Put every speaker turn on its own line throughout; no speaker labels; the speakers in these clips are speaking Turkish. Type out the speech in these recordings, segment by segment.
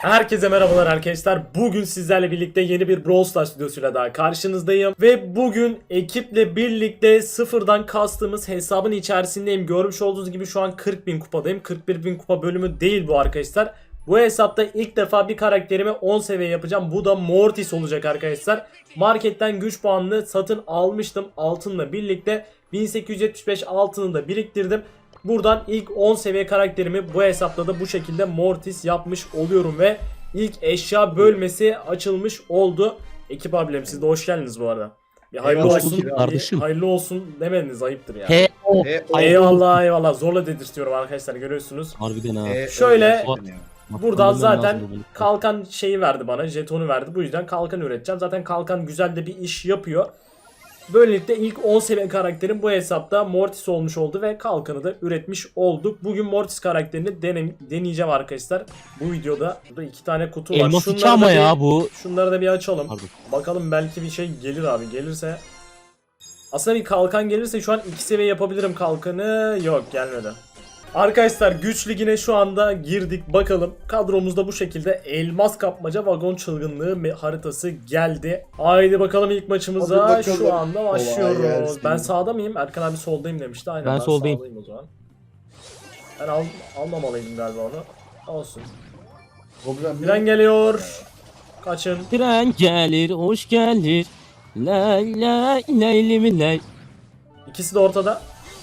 Herkese merhabalar arkadaşlar. Bugün sizlerle birlikte yeni bir Brawl Stars videosuyla daha karşınızdayım. Ve bugün ekiple birlikte sıfırdan kastığımız hesabın içerisindeyim. Görmüş olduğunuz gibi şu an 40.000 kupadayım. 41.000 kupa bölümü değil bu arkadaşlar. Bu hesapta ilk defa bir karakterimi 10 seviye yapacağım. Bu da Mortis olacak arkadaşlar. Marketten güç puanını satın almıştım altınla birlikte. 1875 altını da biriktirdim. Buradan ilk 10 seviye karakterimi bu hesapta da bu şekilde Mortis yapmış oluyorum ve ilk eşya bölmesi açılmış oldu. Ekip abilerim siz de hoş geldiniz bu arada. Bir hayırlı
Eyvallah
olsun,
kardeşim.
hayırlı olsun demediniz ayıptır ya.
He o.
Eyvallah eyvallah zorla dedirtiyorum arkadaşlar görüyorsunuz.
Harbiden ha.
Şöyle
Bak,
buradan
harbiden
zaten
lazım bu.
kalkan şeyi verdi bana, jetonu verdi. Bu yüzden kalkan üreteceğim. Zaten kalkan güzel de bir iş yapıyor. Böylelikle ilk 10 seviye karakterim bu hesapta Mortis olmuş oldu ve kalkanı da üretmiş olduk. Bugün Mortis karakterini deneyeceğim arkadaşlar. Bu videoda burada 2 tane kutu var.
Elmas
Şunları
içi ama
da
ya bu.
Şunları da bir açalım.
Pardon.
Bakalım belki bir şey gelir abi. Gelirse. Aslında bir kalkan gelirse şu an 2 seviye yapabilirim kalkanı. Yok gelmedi. Arkadaşlar güç ligine şu anda girdik bakalım. Kadromuzda bu şekilde elmas kapmaca vagon çılgınlığı haritası geldi. Haydi bakalım ilk maçımıza
Hadi bakalım.
şu anda
Kolay
başlıyoruz.
gelsin.
Ben sağda mıyım? Erkan abi soldayım demişti. Aynen
Ben soldayım.
sağdayım o zaman. Ben almamalıydım galiba onu. Olsun.
Problem
Tren geliyor. Kaçın.
Tren gelir, hoş gelir. Lay lay lay mi lay.
İkisi de ortada.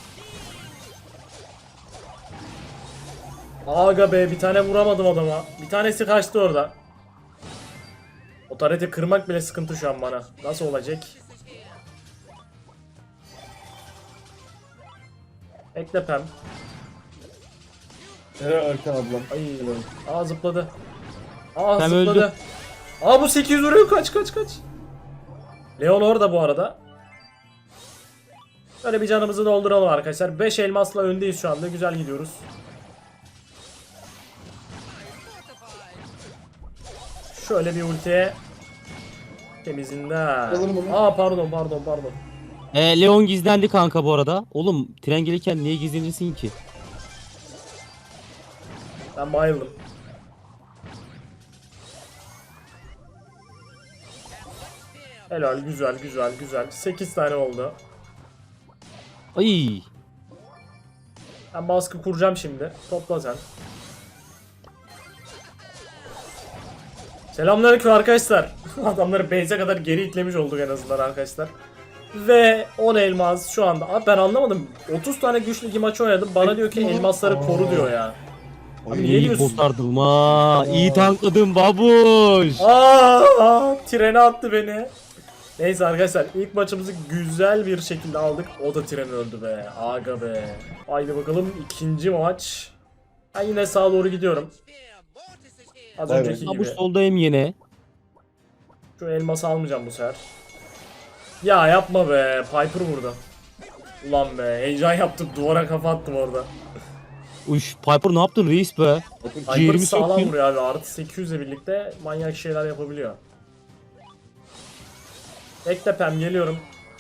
Aga be bir tane vuramadım adama. Bir tanesi kaçtı orada. O tareti kırmak bile sıkıntı şu an bana. Nasıl olacak? Bekle Pem.
Helal Erkan ablam.
Ay. Aa zıpladı. Aa
Pem
zıpladı.
öldü.
Aa bu 800 vuruyor kaç. Leon orada bu arada. Böyle bir canımızı dolduralım arkadaşlar. 5 elmasla öndeyiz şu anda. Güzel gidiyoruz. Şöyle bir ultiye temizinden.
Alırım onu.
Aa pardon.
Leon gizlendi kanka bu arada. Oğlum tren gelirken niye gizlenirsin ki?
Ben bayıldım. Helal güzel. 8 tane oldu.
Ay.
Ben baskı kuracağım şimdi. Topla sen. Selamünaleyküm arkadaşlar. Adamları base'e kadar geri itlemiş olduk en azından arkadaşlar. Ve 10 elmas şu anda. Abi ben anlamadım. 30 tane güçlü ligi maç oynadım. Bana diyor ki elmasları koru diyor ya. Abi niye
İyi
diyorsun?
kurtardım ha. İyi tankladım babuş.
Trene attı beni. Neyse arkadaşlar ilk maçımızı güzel bir şekilde aldık. O da tren öldü be. Aga be. Haydi bakalım ikinci maç. Ben yine sağa doğru gidiyorum. Az
Evet.
önceki gibi.
Babuş soldayım yine.
Şu elması almayacağım bu sefer. Ya yapma be. Piper vurdu. Ulan be. Heyecan yaptım. Duvara kafa attım orada.
Uş Piper ne yaptın reis be?
Piper
Ciğerimi
sağlam
söktün.
vuruyor abi. Artı 800 ile birlikte manyak şeyler yapabiliyor. Bekle Pem geliyorum.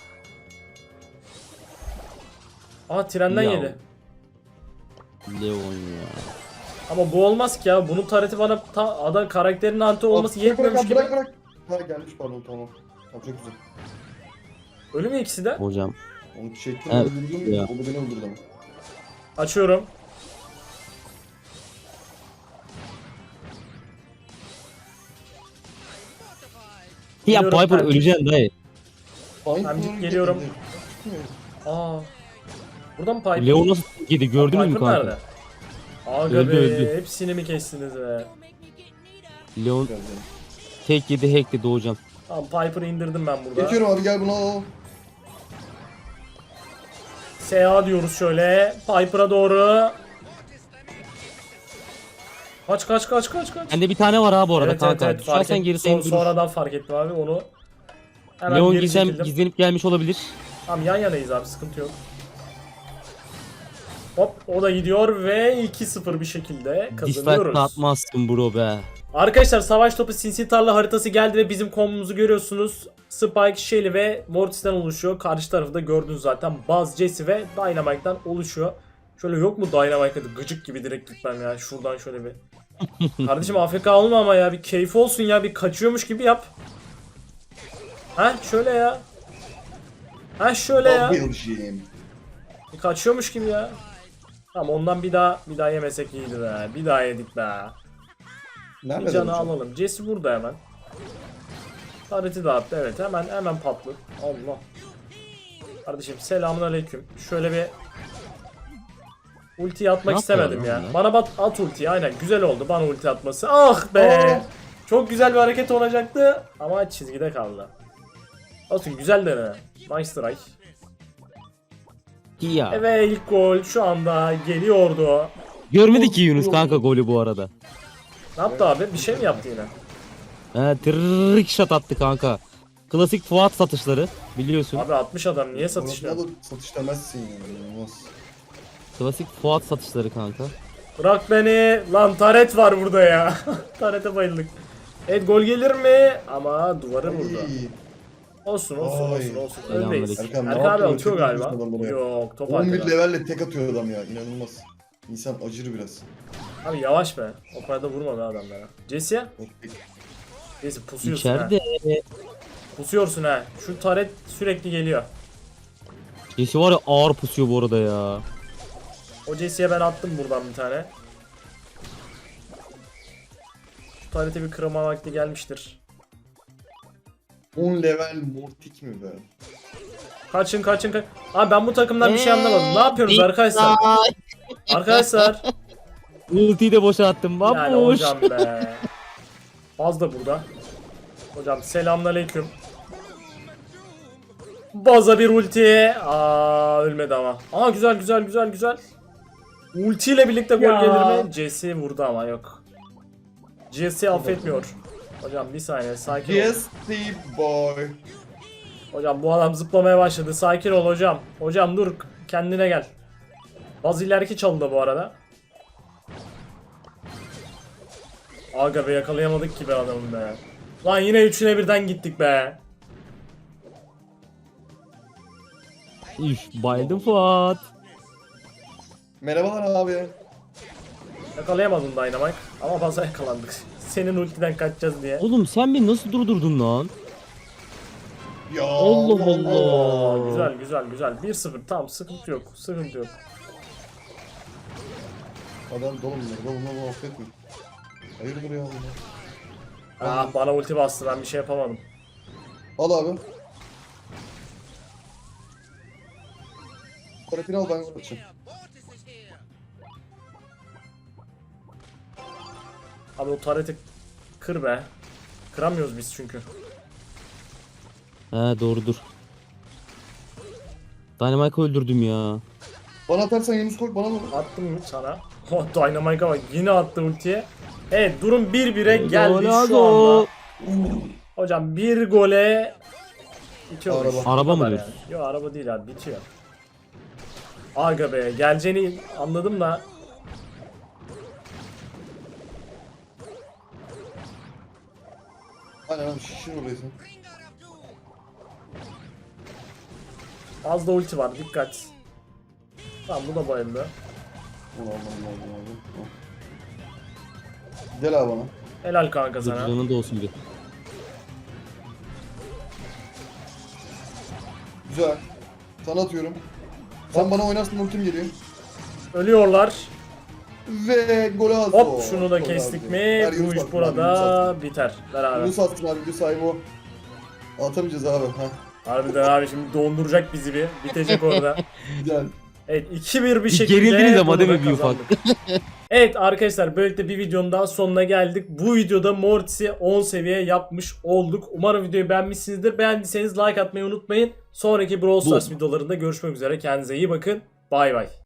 Aa trenden
Ya.
yedi.
Leon ya.
Ama bu olmaz ki ya. Bunun tareti bana ada karakterinin anti olması yetmemiş gibi.
Bırak. Ha gelmiş pardon tamam. Tamam çok güzel.
Ölü mü ikisi de?
Hocam.
Onu çektim
Evet,
öldürdüm.
ya.
O da beni öldürdü ama.
Açıyorum.
Ya
Geliyorum,
Piper
ben-
öleceksin dayı.
Fine
Ben
Tuner
geliyorum.
getirdi.
Aa. Burada mı Piper?
Leon nasıl yedi gördünüz mü
Piper
kanka?
nerede? Aga
Öldü,
be.
öldü.
Hepsini mi kestiniz be?
Leon
Güzel, güzel.
tek yedi hack dedi hocam.
Tamam Piper'ı indirdim ben burada.
Geçiyorum abi gel bunu al.
SA diyoruz şöyle. Piper'a doğru. Kaç.
Bende bir tane var ha bu arada
Evet,
kanka.
evet,
Düşersen
fark
geri
et.
seni durur.
Sonradan fark ettim abi onu. Hemen
Leon
geri çekildim.
gizlenip gelmiş olabilir.
Tamam yan yanayız abi sıkıntı yok. Hop o da gidiyor ve 2-0 bir şekilde
Dislike
kazanıyoruz.
atmazsın bro be.
Arkadaşlar savaş topu sinsi tarla haritası geldi ve bizim kombomuzu görüyorsunuz. Spike, Shelly ve Mortis'ten oluşuyor. Karşı tarafı da gördünüz zaten. Buzz, Jesse ve Dynamite'dan oluşuyor. Şöyle yok mu Dynamite'da gıcık gibi direkt gitmem ya. Şuradan şöyle bir Kardeşim AFK olma ama ya, bir keyif olsun ya, bir kaçıyormuş gibi yap. Ha şöyle ya. Ha şöyle ya.
Double Jim.
Bir kaçıyormuş gibi ya. Tamam, ondan bir daha yemesek iyiydi be. Bir daha yedik be. Bir
Nerede
canı
hocam?
alalım. Jesse burada hemen. Tareti dağıttı, evet, hemen patlı. Allah. Kardeşim selamünaleyküm. Şöyle bir ulti atmak
Ne
istemedim
yapıyor
ya.
lan?
Bana at ultiyi, aynen, güzel oldu bana ulti atması. Ah be.
Aa.
Çok güzel bir hareket olacaktı ama çizgide kaldı. Olsun, güzel dene. Nice try.
Ya.
Evet, ilk gol şu anda geliyordu.
Görmedi ki Yunus kanka golü bu arada.
Ne yaptı abi? Bir şey mi yaptı yine?
Trick shot attı kanka. Klasik Fuat satışları biliyorsun.
Abi 60 adam niye satışıyor?
Satışla da satış demezsin yani. Olmaz.
Klasik Fuat satışları kanka.
Bırak beni. Lan taret var burada ya. Tarete bayıldık. Evet, gol gelir mi? Ama duvarı vurdu.
Ay.
Olsun.
Ay.
Öndeyiz.
Selamünaleyküm.
Erkan, ne
Erkan abi
yapıyorsun?
atıyor
Çok
galiba.
üzüldüm adamları ya.
Yok, top
11
attı.
levelle tek atıyor adam ya. İnanılmaz. İnsan acır biraz.
Abi yavaş be. O kadar da vurma be adamlara. Jesse? Jesse pusuyorsun ha.
İçeride.
Pusuyorsun ha. Şu taret sürekli geliyor.
Jesse var ya ağır pusuyor bu arada ya.
O Jesse'ye ben attım buradan bir tane. Şu tarete bir kırma vakti gelmiştir.
10 level mortik mi be?
Kaçın. Abi ben bu takımdan bir şey anlamadım. Ne yapıyorsunuz arkadaşlar? Arkadaşlar.
Ultiyi de boşa attım.
Yani
Babuş.
hocam be. Baz da burada. Hocam selamünaleyküm. Baz'a bir ulti. Aa, ölmedi ama. Aa, güzel. Ulti ile birlikte gol
Ya.
gelir mi? Jesse vurdu ama yok. Jesse affetmiyor. Hocam bir saniye, sakin ol.
Yes, Steve boy.
Hocam bu adam zıplamaya başladı. Sakin ol hocam. Hocam dur, kendine gel. Baz ileriki çaldı bu arada. Aga be, yakalayamadık ki be adamı be. Lan yine üçüne birden gittik be.
Üf, bayıldım Fuat.
Merhabalar abi.
Yakalayamadın Dynamite ama baza yakalandık. Senin ultiden kaçacağız diye.
Oğlum sen beni nasıl durdurdun lan?
Ya
Allah Allah.
Oo, güzel. 1-0, tamam, sıkıntı yok.
Adam dolu bunlar. Bunlar muhabbet mi? Hayırdır ya bunlar?
Ah, bana ulti bastı, ben bir şey yapamadım.
Al abi. Koretini al, ben açayım.
Abi o tareti kır be. Kıramıyoruz biz çünkü.
He doğrudur. Dynamite'ı öldürdüm ya.
Bana atarsan Yunus koy, bana mı?
Attım mı sana? Oh, Dynamite'a bak, yine attı ultiye. Evet, durum 1-1'e geldi şu
Ronaldo.
anda. Hocam bir gole bitiyor.
Araba.
Araba mı diyorsun?
Yok, araba değil abi, bitiyor. Aga be, geleceğini anladım da.
Aynen abi, şişir orayı sen.
Az da ulti var, dikkat. Tamam, bu da bayıldı.
Allah. Gel abi bana.
Helal kanka sana.
Canın da olsun bir.
Güzel. Sana atıyorum. Sen bana oynarsın, ultim geliyor.
Ölüyorlar.
Ve gol az.
Hop, şunu da kestik mi? Bu iş burada biter. Beraber.
Yunus attın abi, bir sahibi o. Atamayacağız abi. Heh.
Harbiden abi, şimdi donduracak bizi bir. Bitecek orada.
Güzel.
Evet, 2-1 bir
Bir
şekilde
gerildiniz ama
bunu
değil
da
mi bir ufak?
kazandık. Evet arkadaşlar, böylelikle bir videonun daha sonuna geldik. Bu videoda Mortis'i 10 seviye yapmış olduk. Umarım videoyu beğenmişsinizdir. Beğendiyseniz like atmayı unutmayın. Sonraki Brawl Stars videolarında görüşmek üzere. Kendinize iyi bakın. Bay bay.